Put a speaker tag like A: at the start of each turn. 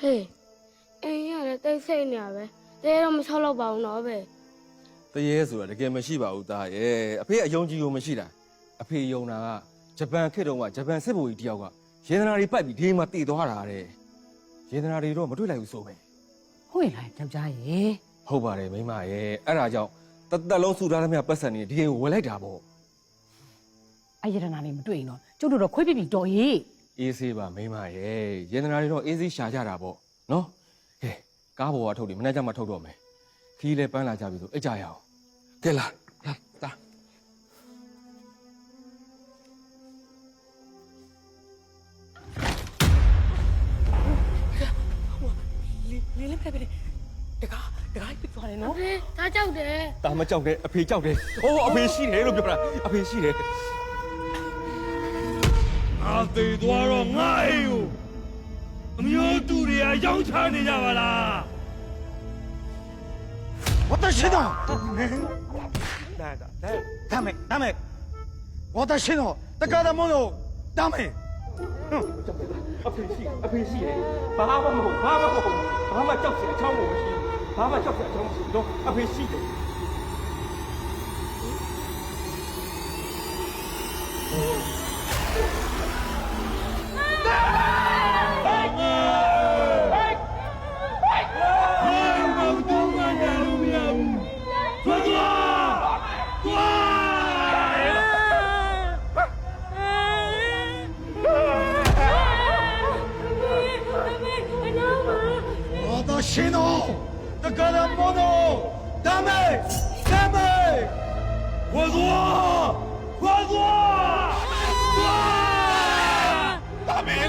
A: 嘿，哎呀，这谁呢呗？这我们炒老包呢呗？
B: တရေဆိုတာတကယ်မရှိပါဘူးသားရဲ့အဖေအယုံကြည်ကိုမရှိတာအဖေယုံတာကဂျပန်ခေတ်တုန်းကဂျပန်စစ်ဗိုလ်ကြီးတယောက်ကရေသနာတွေပိုက်ပြီးဒီမှာတည်သွားတာတဲ့ရေသနာတွေတော့မတွေ့လိုက်ဘူးဆိုပဲ
C: ဟုတ်ရဲ့လားယောက်ျားရေ
B: ဟုတ်ပါတယ်မိမရဲ့အဲ့ဒါကြောင့်တသက်လုံးစုထားသမျှပတ်စံနေဒီကိုဝယ်လိုက်တာပေါ့
C: အယရနာလေးမတွေ့ရင်တော့ကျုပ်တို့တော့ခွေးပြပြတော်ရေး
B: အေးဆေးပါမိမရဲ့ရေသနာတွေတော့အေးဆေးရှာကြတာပေါ့နော်ဟဲ့ကားပေါ်ကထုတ်တယ်မနေ့ကမှထုတ်တော့မယ်ခီးလဲပန်းလာကြပြီဆိုအိတ်ကြရအောင်ကဲလာတာ
C: လေးလေးဖက်ဖက်တကားပြသွားတယ်နော်
A: 嘿，他叫的。
B: တာမကြောက်တဲ့အဖေကြောက်တယ်အိုးအဖေရှိတယ်လို့ပြောတာအဖေရှိတယ်
D: ငါသိသွားတော့ငါအိမ်ကိုအမျိုးတူတွေကရောင်းချနေကြပါလား
E: 私のダメ私の宝物をダメ
B: အဖေရှိတယ်ဘာမှမဟုတ်ဘာမှကြောက်စရာအချောင်းကိုမရှိဘူးဘာမှကြောက်စရာအချောင်းမရှိဘူးတော့အဖေရှိတယ်
E: 私の宝物をダメ
D: 快坐快坐
E: ダメ